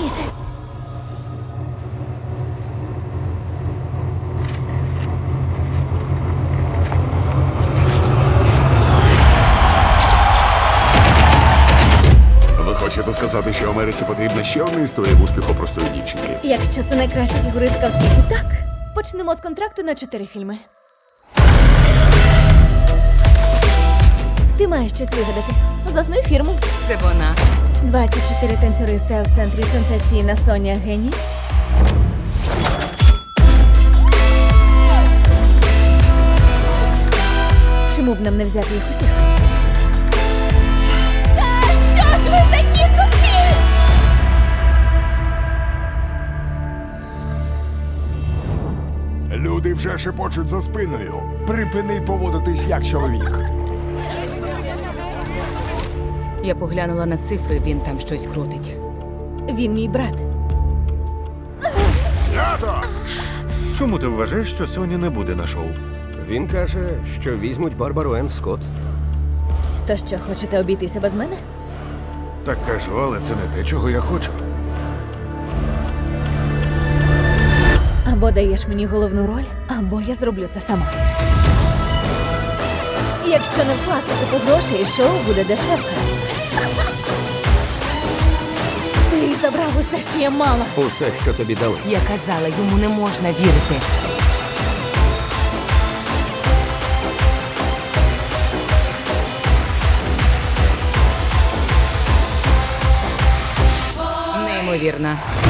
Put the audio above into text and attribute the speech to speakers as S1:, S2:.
S1: скоріше.
S2: Ви хочете сказати, що Америці потрібна ще одна історія успіху простої дівчинки?
S1: Якщо це найкраща фігуристка в світі, так. Почнемо з контракту на 4 фільми. Ти маєш щось вигадати. Заснуй фірму.
S3: Це вона.
S1: 24 танцюристи, а в центрі сенсаційна Соня геній. Чому б нам не взяти їх усіх? Та що ж ви такі тупі?
S4: Люди вже шепочуть за спиною. Припини поводитись як чоловік.
S3: Я поглянула на цифри, він там щось крутить.
S1: Він мій брат.
S4: Знято!
S5: Чому ти вважаєш, що Соня не буде на шоу?
S6: Він каже, що візьмуть Барбару Енн Скотт.
S1: То що, хочете обійтися без мене?
S5: Так кажу, але це не те, чого я хочу.
S1: Або даєш мені головну роль, або я зроблю це сама. Якщо не вкласти купу грошей, шоу буде дешевка. Ти забрав усе, що я мала.
S6: Усе, що тобі дали.
S3: Я казала, йому не можна вірити. Неймовірно.